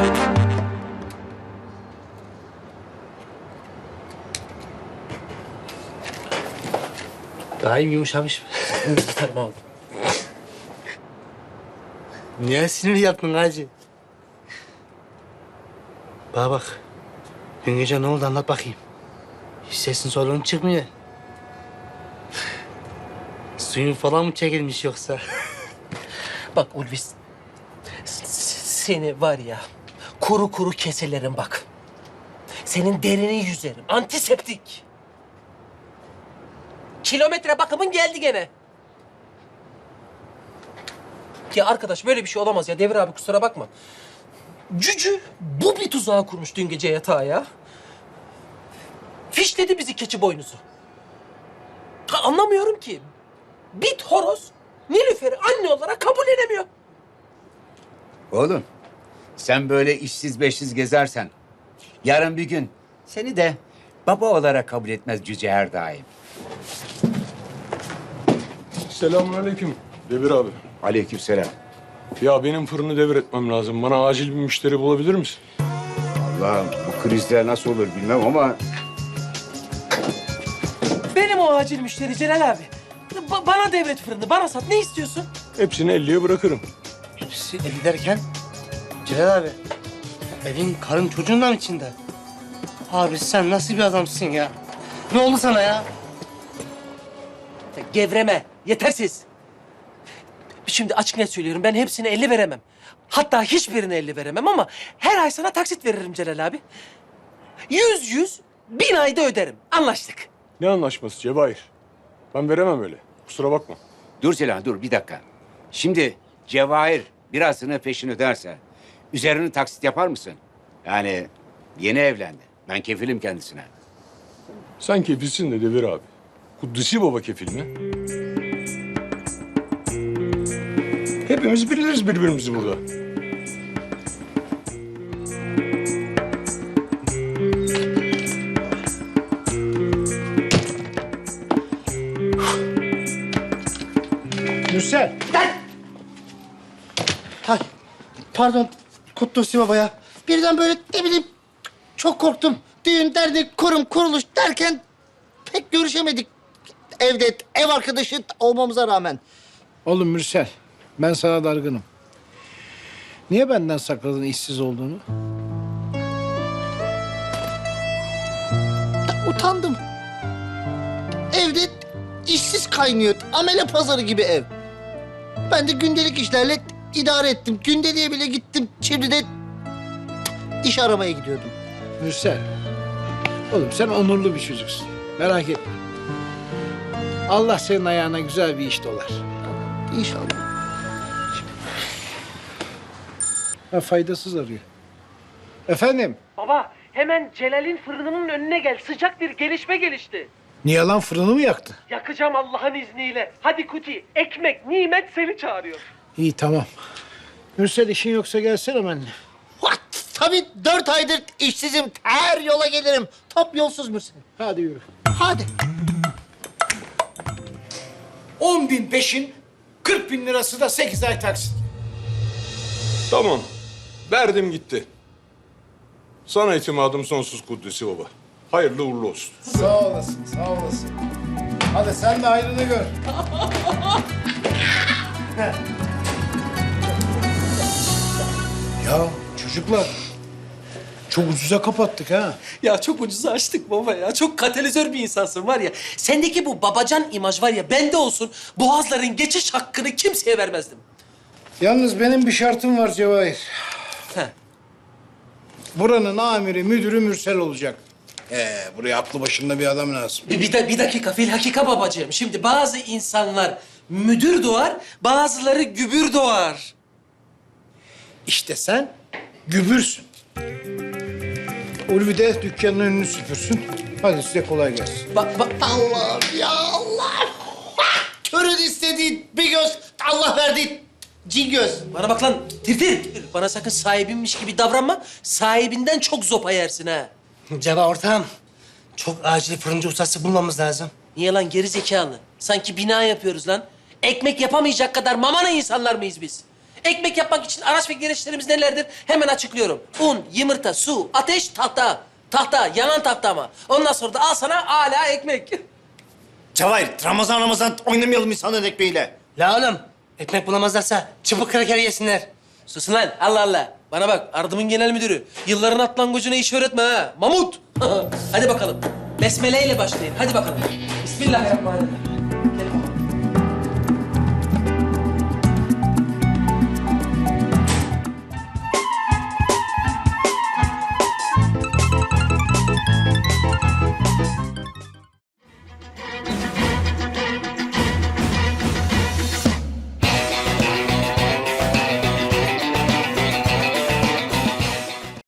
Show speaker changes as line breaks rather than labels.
Daha iyi yumuşamış. Tamam. Niye sinir yaptın hacı? Bana bak. Dün gece ne oldu anlat bakayım. Hiç sesin soluğun çıkmıyor. Suyun falan mı çekilmiş yoksa?
Bak Ulvi, seni var ya, kuru kuru keselerim bak. Senin derini yüzerim, antiseptik. Kilometre bakımın geldi gene. Ya arkadaş böyle bir şey olamaz ya. Devir abi kusura bakma. Cücü bu bir tuzağı kurmuş dün gece yatağa ya. Fişledi bizi keçi boynuzu. Ha, anlamıyorum ki. Bit horoz Nilüfer'i anne olarak kabul edemiyor.
Oğlum, sen böyle işsiz beşsiz gezersen yarın bir gün seni de baba olarak kabul etmez Cüce her daim.
Selamünaleyküm Devir abi.
Aleykümselam.
Ya benim fırını devretmem lazım. Bana acil bir müşteri bulabilir misin?
Allah'ım bu krizler nasıl olur bilmem ama
Benim o acil müşteri Celal abi. Bana devret fırını, bana sat. Ne istiyorsun?
Hepsini 50'ye bırakırım.
Hepsi eli derken Celal abi. Evin karın çocuğun da mı içinde? Abi sen nasıl bir adamsın ya? Ne oldu sana ya?
Gevreme, yetersiz. Şimdi açık net söylüyorum, ben hepsine 50 veremem. Hatta hiçbirine 50 veremem ama her ay sana taksit veririm Celal abi. 100, 1000 ayda öderim. Anlaştık.
Ne anlaşması Cevahir? Ben veremem öyle. Kusura bakma.
dur Celal dur bir dakika. Şimdi Cevahir birazını peşin öderse üzerini taksit yapar mısın? Yani yeni evlendi. Ben kefilim kendisine.
Sen kefilsin de Devir abi. Kudüs'ü baba kefil mi? Hepimiz biliriz birbirimizi burada.
Mürsel. Hay, pardon Kutlusi Baba ya. Birden böyle ne bileyim çok korktum. Düğün, dernek, kurum, kuruluş derken pek görüşemedik. Evde ev arkadaşı olmamıza rağmen.
Oğlum Mürsel, ben sana dargınım. Niye benden sakladın işsiz olduğunu?
Utandım. Evde işsiz kaynıyor. Amele pazarı gibi ev. Ben de gündelik işlerle idare ettim. Gündeliğe bile gittim. Şimdi de iş aramaya gidiyordum.
Mürsel, oğlum sen onurlu bir çocuksun. Merak etme. Allah senin ayağına güzel bir iş dolar.
İnşallah.
Ha, faydasız arıyor. Efendim?
Baba, hemen Celal'in fırınının önüne gel. Sıcak bir gelişme gelişti.
Niye lan fırını mı yaktı?
Yakacağım Allah'ın izniyle. Hadi Kuti, ekmek, nimet seni çağırıyor.
İyi tamam. Mürsel işin yoksa gelsene benimle.
What? Tabii 4 aydır işsizim. Her yola gelirim. Top yolsuz musun?
Hadi yürü.
Hadi.
10.000 peşin, 40.000 lirası da 8 ay taksit.
Tamam. Verdim gitti. Sana itimadım sonsuz Kudüs'ü baba. Hayırlı uğurlu olsun.
Sağ olasın, sağ olasın. Hadi sen de hayrını gör. Ya çocuklar, çok ucuza kapattık ha.
Ya çok ucuza açtık baba ya. Çok katalizör bir insansın var ya. Sendeki bu babacan imaj var ya bende olsun. Boğazların geçiş hakkını kimseye vermezdim.
Yalnız benim bir şartım var Cevahir.
Heh.
Buranın amiri, müdürü Mürsel olacak. Buraya aklı başında bir adam lazım.
Bir dakika filhakika babacığım. Şimdi bazı insanlar müdür doğar, bazıları gübür doğar.
İşte sen gübürsün. Ulvi de dükkanın önünü süpürsün. Hadi size kolay gelsin.
Bak
Allah'ım ya Allah. Körün istediği bir göz, Allah verdiği cin göz.
bana bak lan tir. Bana sakın sahibinmiş gibi davranma. Sahibinden çok zopa yersin ha.
Ceva ortağım, çok acil fırıncı ustası bulmamız lazım.
Niye lan geri zekalı? Sanki bina yapıyoruz lan. Ekmek yapamayacak kadar mamana insanlar mıyız biz? Ekmek yapmak için araç ve gereçlerimiz nelerdir? Hemen açıklıyorum. Un, yumurta, su, ateş, tahta. Tahta, yanan tahta ama. Ondan sonra da al sana hala ekmek.
Cevahir, Ramazan oynamayalım insanların ekmeğiyle.
La oğlum, ekmek bulamazlarsa çubuk kraker yesinler.
Susun lan, Allah Allah. Bana bak, Ardım'ın genel müdürü. Yılların atlangıcına iş öğretme ha. Mamut. Hadi bakalım. Besmele ile başlayın. Hadi bakalım. Bismillahirrahmanirrahim.